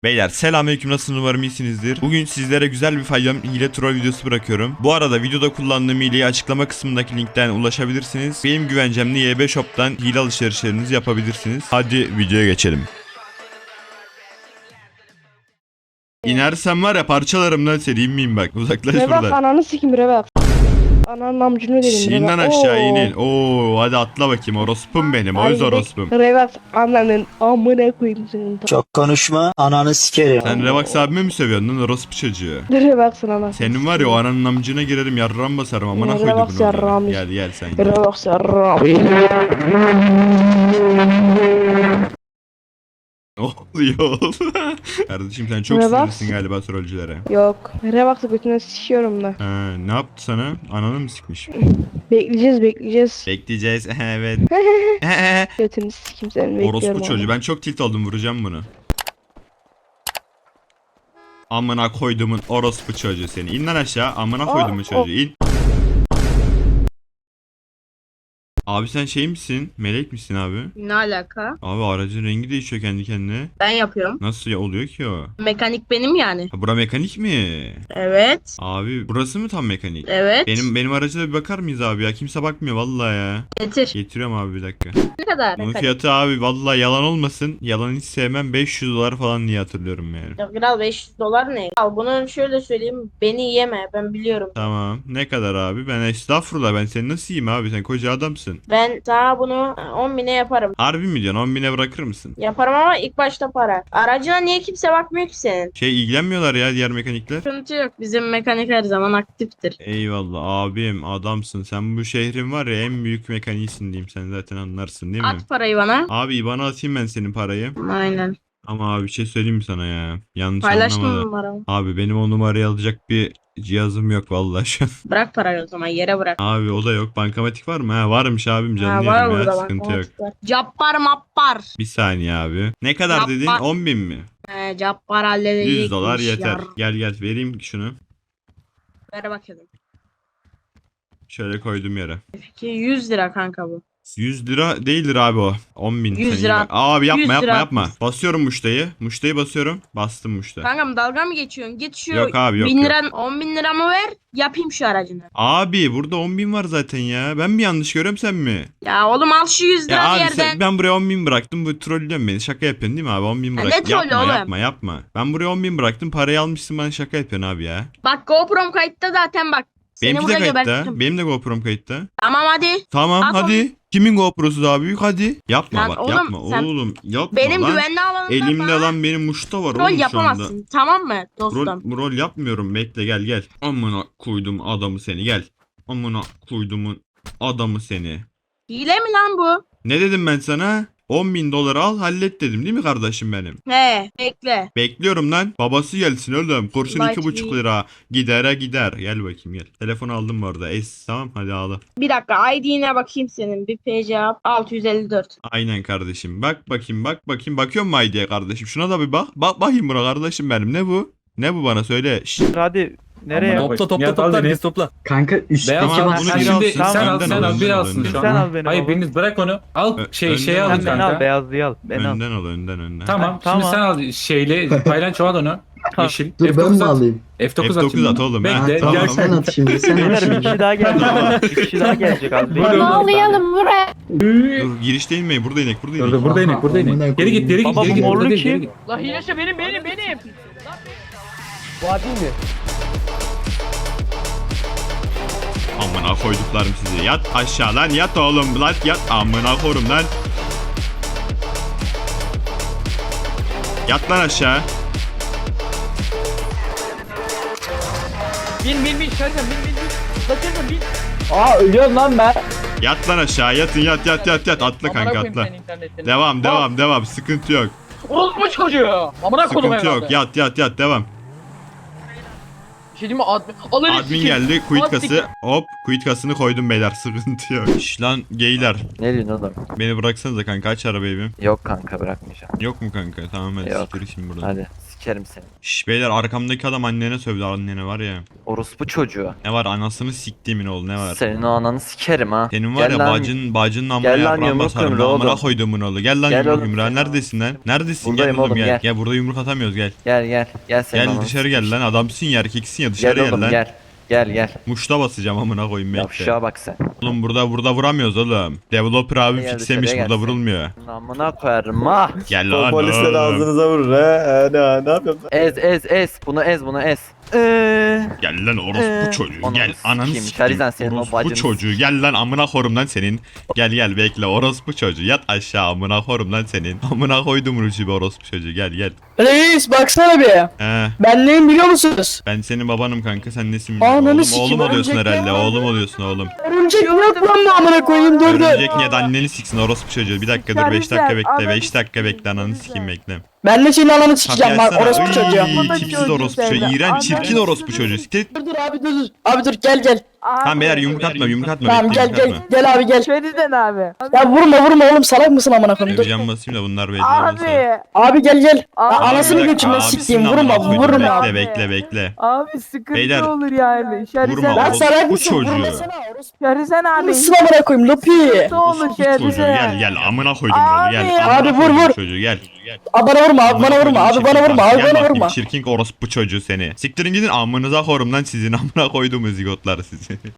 Beyler selamünaleyküm, nasılsınız, umarım iyisinizdir. Bugün sizlere güzel bir faydalı hile troll videosu bırakıyorum. Bu arada videoda kullandığım hileyi açıklama kısmındaki linkten ulaşabilirsiniz. Benim güvencemli YB Shop'tan hile alışverişlerinizi yapabilirsiniz. Hadi videoya geçelim. İnersem var ya parçalarım lan seni, inmeyeyim bak, uzaklaş Rebak buradan. ananı sikim Rebak. Ananın amcını dedim İn lan Rebak. aşağı Oo. inin. Oo hadi atla bakayım, orospum benim, Hadi öz gidelim. orospum. Rebak ananın amına koyayım senin. Çok konuşma, ananı sikerim. Sen Revax abime mi sövüyorsun lan, orospu çocuğu? Rebak anasını. Senin var ya o ananın amcına girerim, yarram basarım, amına koydum Revax bunu. yarram. Gel gel sen gel. Rebak sarram. Ne oluyor? Kardeşim sen çok Revax. sinirlisin galiba trollcülere. Yok. Rebak'ta götüne sıçıyorum da. Ha, ne yaptı sana? Ananı mı sıkmış? Bekleyeceğiz. Bekleyeceğiz. Evet. Götünü sikim senin bekliyorum. Orospu çocuğu. onu. Ben çok tilt oldum, vuracağım bunu. Amına koydumun orospu çocuğu seni. İn lan aşağı. Amına koydumun çocuğu. İn. Abi sen şey misin? Melek misin abi? Ne alaka? Abi aracın rengi değişiyor kendi kendine. Ben yapıyorum. Nasıl ya, oluyor ki o? Mekanik benim yani. Ha, bura mekanik mi? Evet. Abi burası mı tam mekanik? Evet. Benim araca da bir bakar mıyız abi ya? Kimse bakmıyor vallahi ya. Getir. Getiriyorum abi, bir dakika. Ne kadar Bunun mekanik? fiyatı abi vallahi yalan olmasın. Yalan hiç sevmem, 500 dolar falan diye hatırlıyorum yani. Ya kral 500 dolar ne? Al bunu şöyle söyleyeyim. Beni yeme. Ben biliyorum. Tamam. Ne kadar abi? Ben estağfurullah, ben seni nasıl yiyeyim abi? Sen koca adamsın. Ben sana bunu 10 bine yaparım. Harbi mi diyorsun? 10 bine bırakır mısın? Yaparım ama ilk başta para. Aracına niye kimse bakmıyor ki senin? Şey, ilgilenmiyorlar ya diğer mekanikler. Sıkıntı yok. Bizim mekanik her zaman aktiftir. Eyvallah abim, adamsın. Sen bu şehrin var ya en büyük mekaniğisin diyeyim. Sen zaten anlarsın değil mi? At parayı bana. Abi bana atayım ben senin parayı. Aynen. Ama abi bir şey söyleyeyim mi sana ya? Yanlış Paylaştın anlama da. numaramı. Abi benim o numarayı alacak bir cihazım yok vallahi şu an. Bırak parayı o zaman. Yere bırak. Abi o da yok. Bankamatik var mı? Ha varmış abim, Ha, canlı var yerim ya. burada bak. Sıkıntı yok. Cappar mappar. Bir saniye abi. Ne kadar Yapma. dedin? 10 bin mi? Cappar halledecekmiş. 100 dolar yeter. Yar. Gel gel vereyim şunu. Ver bakalım. Şöyle koydum yere. Peki 100 lira kanka bu. 100 lira değildir abi o. 10 bin. 100 Sen iyi lira. bak. Abi yapma 100 yapma lira. yapma. Basıyorum muştayı. Muştayı basıyorum. Bastım muşta. Kankam dalga mı geçiyorsun? Git şu Yok abi, yok, 1000 yok. liran 10 bin liramı ver yapayım şu aracını. Abi burada 10 bin var zaten ya. Ben mi yanlış görüyorum, sen mi? Ya oğlum al şu 100 lira Ya bir abi yerden. ben buraya 10 bin bıraktım. Bu trollüyorsun beni. Şaka yapıyorsun değil mi abi? 10 bin ne bıraktım. trollü Yapma oğlum? yapma yapma. Ben buraya 10 bin bıraktım. Parayı almışsın, bana şaka yapıyorsun abi ya. Bak GoPro'm kayıtta zaten bak. Seni Benimki de burada kayıtta. gebertirim. Benim de GoPro'm kayıtta. Tamam hadi. Tamam At hadi. Kimin GoPro'su daha büyük, hadi. Yapma Lan bak, oğlum, yapma sen oğlum. Yapma Benim lan. güvenli alanımda Elimde bana lan benim muşta var rol oğlum şu anda. yapamazsın. Tamam mı dostum? Rol yapmıyorum, bekle gel gel. Amına koydum adamı seni, gel. Amına koydumun adamı seni. Hile mi lan bu? Ne dedim ben sana? 10 bin dolar al hallet dedim değil mi kardeşim benim? He bekle. Bekliyorum lan. Babası gelsin oğlum. Kurşun Like 2,5 me. lira. Gidere gider. Gel bakayım gel. Telefonu aldım bu arada. Tamam hadi ağla. Bir dakika ID'ne bakayım senin. Bir PC yap. 654. Aynen kardeşim. Bak bakayım bak bakayım. Bakıyor mu ID'ye kardeşim? Şuna da bir bak. Bak bakayım buna kardeşim benim. Ne bu? Ne bu bana söyle. Şşş. Hadi nereye? Topla biz topla. Kanka üst Beyaz Tamam, tamam, bunu sen biri şimdi alsın. sen al Önden sen al, al önden biri al, alsın önden şu al. Sen an. al beni Hayır baba. biriniz bırak onu. Al Önden şeyi al. alın Sen beni kanka. al beyazlıyı al. Beni al. Önden al önden. Tamam. Tamam. Şimdi sen al şeyle paylanço al onu. Yeşil. Dur ben mi alayım? F9 F9 at oğlum. Bekle. ha, Ha, tamam tamam. sen at şimdi sen at Beyler bir şimdi. kişi daha gelecek. Bir kişi daha gelecek az. Hadi oğlum. Bağlayalım buraya. Dur girişte inmeyin. Burada inek. Burada inek. Burada inek burada Amına inek. Geri git geri git Baba, geri bu git. morlu Burada değil, kim? geri git. La hilesi benim. Amına koyduklarım sizi. Yat aşağı lan, yat oğlum lan, yat amına korum lan. Yat lan aşağı. Bin Şerden bin. Bakırdım bin. Aa ölüyorum lan ben. Yat lan aşağı, yatın yat atla kanka atla. Devam sıkıntı yok. Orospu çocuğu. Amına koydum Sıkıntı yok, yat devam. Bir şey diyeyim mi? Alın Admin geldi, quit kası. Hop, quit kasını koydum beyler, sıkıntı yok. Şş lan geyler, Ne diyorsun oğlum? beni bıraksanıza kanka, aç arabayı bir. Yok kanka bırakmayacağım. Yok mu kanka? Tamam hadi Yok. siktir şimdi buradan. Hadi sikerim seni. Şş beyler arkamdaki adam annene sövdü annene var ya. Orospu çocuğu. Ne var anasını siktiğimin oğlu ne var? Senin o ananı sikerim ha. Senin var Gel ya lan. bacının amına Gel lan yaprağın yumruk basarım. yumruğu Amına oğlum. koyduğumun oğlu. Gel lan Gel yumruk oğlum. yumruğa. Neredesin lan? Neredesin? Buradayım Gel oğlum oğlum, gel. gel. Gel burada yumruk atamıyoruz gel. Gel senin Gel ananı dışarı sikeyim. gel lan. Adamsın ya erkeksin ya dışarı Gel gel oğlum lan. gel. Muşta basacağım amına koyayım bekle. Yavşağa bak sen. Oğlum burada vuramıyoruz oğlum. Developer abi Gel fixlemiş dışarıya burada gel. vurulmuyor. Amına koyarım ha. Gel lan Polisler oğlum. ağzınıza vurur he. Ne yapıyorsun? Ez. Bunu ez. Gel lan orospu çocuğu. Ananı Gel ananı sikeyim, sikeyim. Şerizan senin o Orospu bacını çocuğu. Gel lan amına korum lan senin. Gel bekle orospu çocuğu. Yat aşağı amına korum lan senin. Amına koydum rujubi orospu çocuğu. Gel. Reis baksana bir. He. Ben neyim biliyor musunuz? Ben senin babanım kanka sen nesin? Ananı Oğlum, sikeyim, oğlum oluyorsun örümcek herhalde. ya. Oğlum oluyorsun oğlum. Örümcek yok lan mı amına koyayım dur. Örümcek niye de anneni siksin orospu çocuğu. Bir dakika dur 5 dakika bekle. 5 dakika bekle ananı sikeyim bekle. Ben de senin ananı sikeceğim Kapıyı bak açsana. orospu çocuğu. Iy, tipsiz orospu çocuğu. İğrenç çirkin orospu çocuğu. Siktir. Dur abi dur. Abi dur gel. Tamam beyler yumruk atma. Tamam bekle, gel yumruk atma. gel abi gel. Şeriden abi. Ya vurma oğlum salak mısın amına koyayım dur. Can basayım da bunlar belli olmasa. Abi. Abi gel. Ya Abi, anasını Bir dakika, götürme abisinin sikeyim amına vurma koydum. vurma. Bekle. Abi sıkıntı Beyler, olur yani. vurma Lan orospu salak mısın çocuğu. vurmasana orospu. Şeriden abi. Mısın amına koyayım lopi. Ne olur Orospu çocuğu Şeriden. gel amına koydum oğlu gel. Abi. Amına Abi, vur, koydum vur. Çocuğu gel. Abi bana vurma abi bana vurma abi bana vurma abi Gel bana bakayım, vurma. Çirkin orospu çocuğu seni. Siktirin gidin amınıza korum lan sizin amına koyduğum zigotlar sizi.